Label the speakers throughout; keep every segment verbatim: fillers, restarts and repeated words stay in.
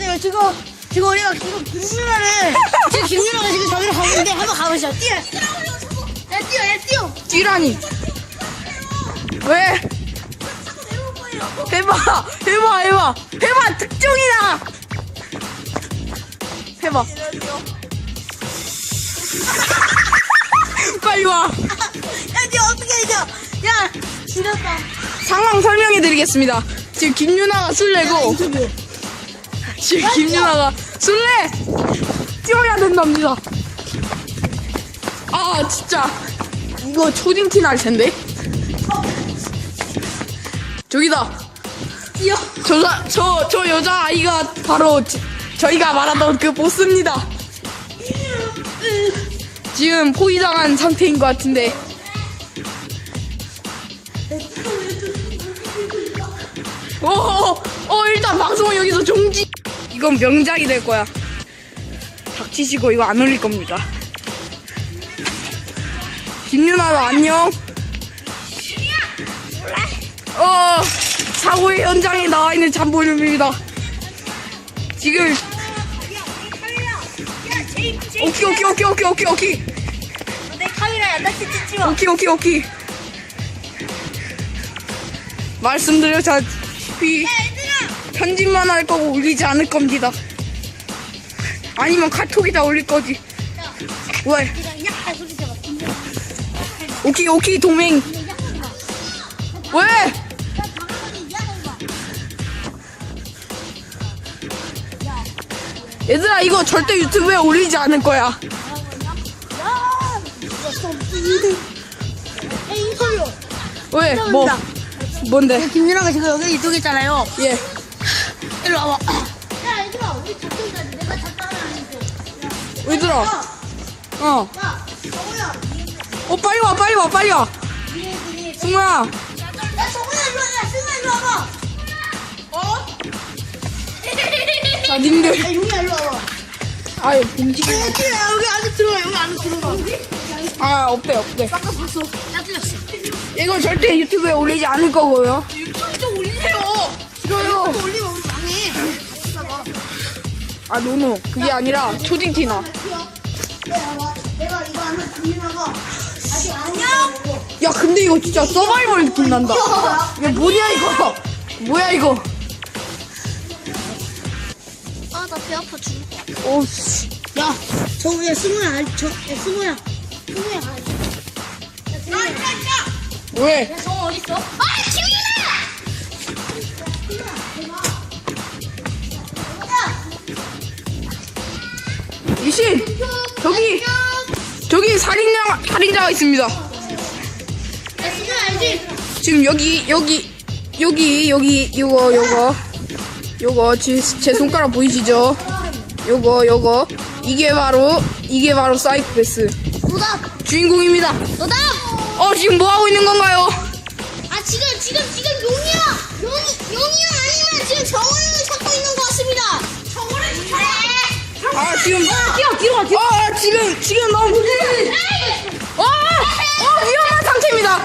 Speaker 1: 잠시만요. 지금 지금 우리가 지금 김윤아를 지금 김윤아가 지금 저기로 가고 있는데 한번 가보시죠. 뛰어. 야 뛰어, 야 뛰어.
Speaker 2: 뛰라니. 왜? 해봐, 해봐, 해봐, 해봐. 특종이다. 해봐. 빨리 와.
Speaker 1: 야, 니 어떻게 해줘? 야, 지렸다.
Speaker 2: 상황 설명해드리겠습니다. 지금 김유나가 술래고, 지금 김유나가 술래 뛰어야 된답니다. 아 진짜 이거 초딩티 날 텐데. 저기다.
Speaker 1: 뛰어.
Speaker 2: 저, 저, 저 여자 아이가 바로 지, 저희가 말하던 그 보스입니다. 지금 포위당한 상태인 것 같은데. 어, 어, 어, 일단 방송은 여기서 종지. 이건 명작이 될 거야. 닥치시고 이거 안 올릴 겁니다. 김유나도 안녕. 어, 사고의 현장에 나와 있는 잠보름입니다. 지금 오케이 오케이 오케이 오케이 오케이 오케이
Speaker 1: 내 카메라야, 나 진짜 찍지 마.
Speaker 2: 오케이 오케이 오케이 말씀드렸다시피 편집만 할 거고 올리지 않을 겁니다. 아니면 카톡에다 올릴 거지. 왜?
Speaker 1: 야, 소리 잡아.
Speaker 2: 오케이 오케이 동맹. 왜? 얘들아 이거 절대 유튜브에 올리지 않을 거야.
Speaker 1: 인터뷰.
Speaker 2: 왜? 뭐? 뭔데?
Speaker 1: 김윤아가 지금 여기 이쪽에 있잖아요.
Speaker 2: 예.
Speaker 1: 일로 와봐. 야, 얘들아, 우리 작전자지. 내가 작전을
Speaker 2: 얘들아. 어.
Speaker 1: 야, 정우야.
Speaker 2: 어 빨리 와 빨리 와 빨리 와. 승우야.
Speaker 1: 야, 정우야, 일로 와. 야, 승우야, 일로 와봐. 어?
Speaker 2: 자 님들.
Speaker 1: 야, 용이야, 일로 와봐.
Speaker 2: 아유 봉지가.
Speaker 1: 야, 여기 안에 들어가, 여기 안에 들어가.
Speaker 2: 아 없대 없대.
Speaker 1: 아까 봤어. 야, 틀렸어.
Speaker 2: 이거 절대 유튜브에 올리지 않을 거고요.
Speaker 1: 유튜브 좀 올리세요.
Speaker 2: 싫어요.
Speaker 1: 유튜브 올리면 우리 망해.
Speaker 2: 아 노노 그게 아니라 초딩티나.
Speaker 1: 내가, 내가 이거 하면 김윤아가 아직 안녕.
Speaker 2: 야 근데 이거 진짜 서바이벌 느낌 난다. 야 뭐냐 이거. 뭐야 이거.
Speaker 1: 아, 나 배 아파 죽을 거.
Speaker 2: 오씨.
Speaker 1: 야, 정우야, 승우야, 알- 저, 야, 승우야. 승우야, 아, 야, 승우야.
Speaker 2: 왜?
Speaker 1: 야, 정우 어딨어? 아, 김윤아!
Speaker 2: 이신 저기 저기 살인자 살인자가 있습니다.
Speaker 1: 야, 승우야, 알지?
Speaker 2: 지금 여기 여기 여기 여기 요거 요거 요거 제, 제 손가락 보이시죠? 요거 요거 이게 바로 이게 바로 사이코패스
Speaker 1: 노답!
Speaker 2: 주인공입니다.
Speaker 1: 노답!
Speaker 2: 어 지금 뭐 하고 있는 건가요?
Speaker 1: 아, 지금, 지금, 지금 용이야! 용이, 용이야 아니면 지금 정우를 찾고 있는 것 같습니다! 정우를 찾아!
Speaker 2: 아 지금
Speaker 1: 뛰어, 뒤로 가, 뒤로
Speaker 2: 아 지금 지금 너무 어, 어 위험한 상태입니다.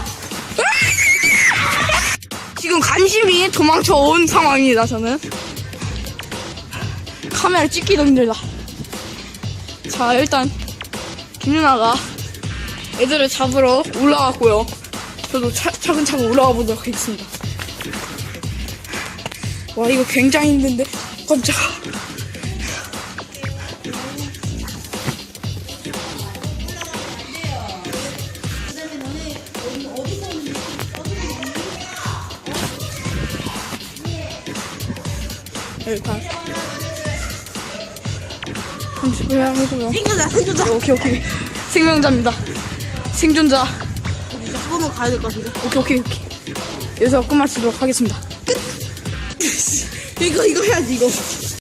Speaker 2: 지금 간신히 도망쳐 온 상황입니다. 저는 카메라 찍기도 힘들다. 자 일단 김윤아가 애들을 잡으러 올라왔고요. 저도 차, 차근차근 올라가 보도록 하겠습니다. 와 이거 굉장히 힘든데 깜짝아. 일단 잠시만 해보면
Speaker 1: 생존자, 생존자!
Speaker 2: 오케이 오케이 생명자입니다. 생존자.
Speaker 1: 학원으로 가야 될 것 같은데.
Speaker 2: 오케이 오케이 오케이 여기서 끝마치도록 하겠습니다.
Speaker 1: 이거, 이거 해야지, 이거.